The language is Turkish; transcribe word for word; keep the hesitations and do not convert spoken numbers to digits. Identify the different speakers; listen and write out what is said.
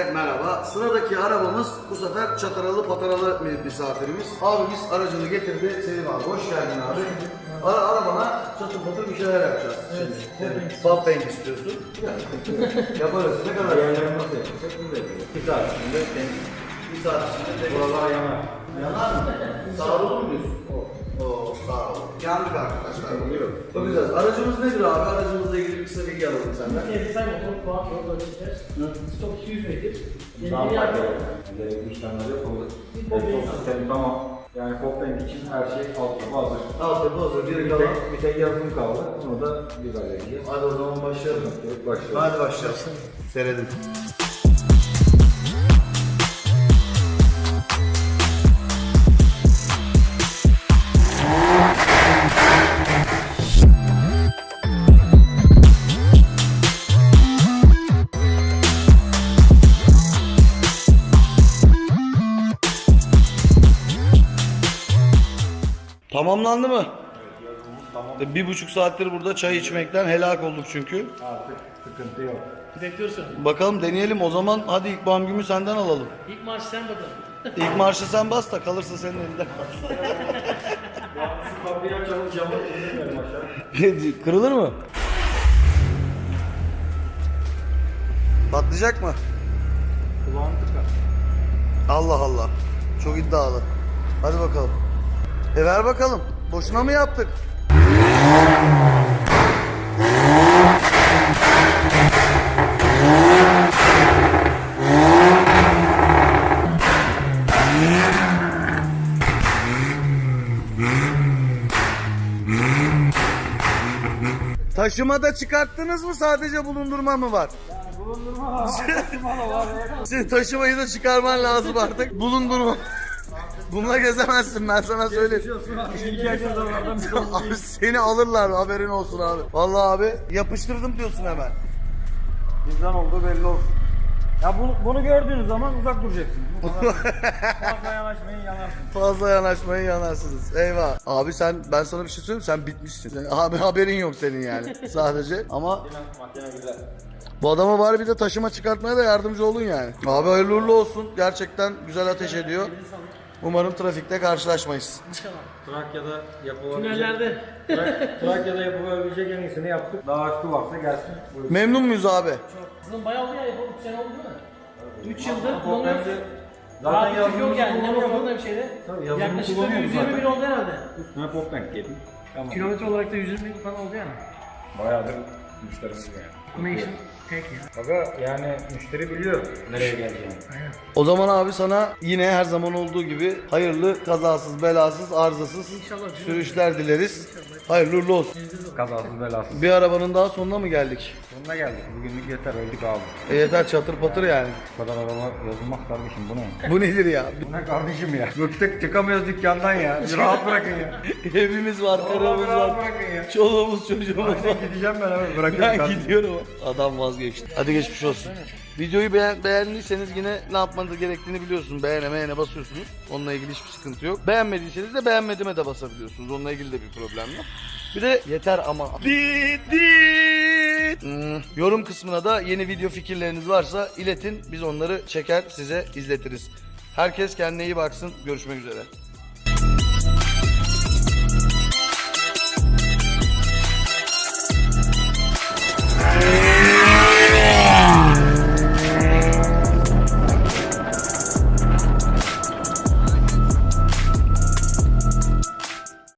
Speaker 1: Herkese merhaba. Sıradaki arabamız bu sefer çataralı pataralı bir misafirimiz. Abimiz aracını getirdi. Selim abi hoş geldin abi. Ara arabana çatır patır bir şeyler yapacağız.
Speaker 2: Evet.
Speaker 1: Evet. Fab paint istiyorsun. Yaparız. Ne kadar?
Speaker 3: Yerlerini nasıl yapacak? Bunu da yapacağız. Bir saat içinde temiz.
Speaker 1: Bir saat içinde temiz.
Speaker 3: Buralar yanar.
Speaker 1: Yanar mı? Sağ olur mu diyorsun? Oo, sağ ol. Yandık arkadaşlar.
Speaker 3: Oluyor.
Speaker 1: Bakacağız. Aracımız nedir abi? Aracımızla ilgili kısa bilgi alalım senden.
Speaker 2: Design motor, kuat yol ölçüler. Stok iki yüz metre.
Speaker 3: Daha
Speaker 2: Yeni bir
Speaker 3: farklı.
Speaker 2: yer.
Speaker 3: Gerekli işlemler yapıldı.
Speaker 2: Pop paint.
Speaker 3: Egzoz sistemi tamam. Yani pop paint için her şey altyapı hazır.
Speaker 1: Altyapı hazır. Bir
Speaker 3: Bir
Speaker 1: kalan.
Speaker 3: tek, bir tek yazılım kaldı. Bunu da biz halledeceğiz.
Speaker 1: Hadi o zaman başlayalım.
Speaker 3: Evet, başlıyoruz.
Speaker 1: Hadi başlayalım. Seyredin. Tamamlandı mı?
Speaker 3: Tamam.
Speaker 1: Bir buçuk saattir burada çay içmekten helak olduk çünkü.
Speaker 3: Artık sıkıntı yok.
Speaker 2: Bekliyorsun.
Speaker 1: Bakalım deneyelim o zaman. Hadi ilk bam gümü senden alalım.
Speaker 2: İlk maaş sen bakalım.
Speaker 1: İlk marşı sen bas da kalırsa senin elinde.
Speaker 3: Şu kapıyı açalım, camı indirmeyelim aşağı.
Speaker 1: Kırılır mı? Patlayacak mı?
Speaker 3: Kulağını tıkar.
Speaker 1: Allah Allah. Çok iddialı. Hadi bakalım. E ver bakalım. Boşuna mı yaptık? Taşımada çıkarttınız mı, sadece bulundurma mı var?
Speaker 3: Yani bulundurma var, taşıma da var.
Speaker 1: Senin taşımayı da çıkarman lazım artık. Bulundurma. Bununla gezemezsin, ben sana söyleyeyim.
Speaker 3: İlk açın zamanlardan bir şey
Speaker 1: Abi seni alırlar, haberin olsun abi. Vallahi abi yapıştırdım diyorsun hemen.
Speaker 3: bizden olduğu belli olsun. Ya bunu, bunu gördüğünüz zaman uzak duracaksınız. Bu kadar. Fazla yanaşmayın, yanarsınız.
Speaker 1: Fazla yanaşmayın, yanarsınız. Eyvah. Abi sen, ben sana bir şey söyleyeyim, sen bitmişsin. Sen- Abi haberin yok senin yani sadece. Ama
Speaker 3: Makine, makine güzel.
Speaker 1: bu adama bari bir de taşıma çıkartmaya da yardımcı olun yani. Abi hayırlı uğurlu olsun. Gerçekten güzel ateş ediyor. Umarım trafikte karşılaşmayız.
Speaker 2: İnşallah.
Speaker 3: Trakya'da yapılabilecek...
Speaker 2: Tünellerde.
Speaker 3: Tra- Trakya'da yapılabilecek en iyisini yaptık. Daha üstü varsa gelsin. Buyurun.
Speaker 1: Memnun muyuz abi?
Speaker 2: Sizin bayağı oldu ya yapalım. üç sene oldu değil mi? üç yıldır
Speaker 3: Ama
Speaker 2: kullanıyoruz.
Speaker 3: bence
Speaker 2: Zaten
Speaker 3: Zaten
Speaker 2: yazılımı yok yani. Ne
Speaker 3: kullanıyorduk.
Speaker 2: motorunda bir şeyde.
Speaker 3: Tabii yazılımı
Speaker 2: Yaklaşık da
Speaker 3: kullanıyoruz
Speaker 2: yüz yirmi bin
Speaker 3: zaten.
Speaker 2: oldu herhalde.
Speaker 3: Üstüne pop bank yedim. Tamam.
Speaker 2: Kilometre olarak da yüz yirmi bin falan oldu yani.
Speaker 3: Bayağıdır müşterimiz yani.
Speaker 2: Automation tek ya.
Speaker 3: Aga yani müşteri biliyor nereye geleceğini.
Speaker 2: Aynen.
Speaker 1: O zaman abi sana yine her zaman olduğu gibi hayırlı, kazasız, belasız, arızasız
Speaker 2: İnşallah.
Speaker 1: sürüşler dileriz. Hayırlı uğurlu olsun.
Speaker 3: Kazasız belasız.
Speaker 1: Bir arabanın daha sonuna mı geldik?
Speaker 3: Sonuna geldik. Bugünlük yeter, öldük abi.
Speaker 1: E yeter, çatır patır yani.
Speaker 3: Bu kadar araba yazılmaz kardeşim, bu ne?
Speaker 1: Bu nedir ya?
Speaker 3: Bu ne kardeşim ya? Bıktık, çıkamıyoruz dükkandan ya. Bir rahat bırakın ya.
Speaker 1: Evimiz var,
Speaker 3: Vallahi
Speaker 1: karımız
Speaker 3: bir rahat
Speaker 1: var,
Speaker 3: bırakın ya.
Speaker 1: çoluğumuz, çocuğumuz var.
Speaker 3: Ben gideceğim ben hemen, bırakıyorum
Speaker 1: Ben
Speaker 3: kardeşim.
Speaker 1: gidiyorum. Adam vazgeçti. Hadi geçmiş olsun. Videoyu beğen beğendiyseniz yine ne yapmanız gerektiğini biliyorsunuz. Beğene beğene basıyorsunuz. Onunla ilgili hiçbir sıkıntı yok. Beğenmediyseniz de beğenmedime de basabiliyorsunuz. Onunla ilgili de bir problem yok. Bir de yeter ama. Dit dit. Hmm, yorum kısmına da yeni video fikirleriniz varsa iletin. Biz onları çeker size izletiriz. Herkes kendine iyi baksın. Görüşmek üzere.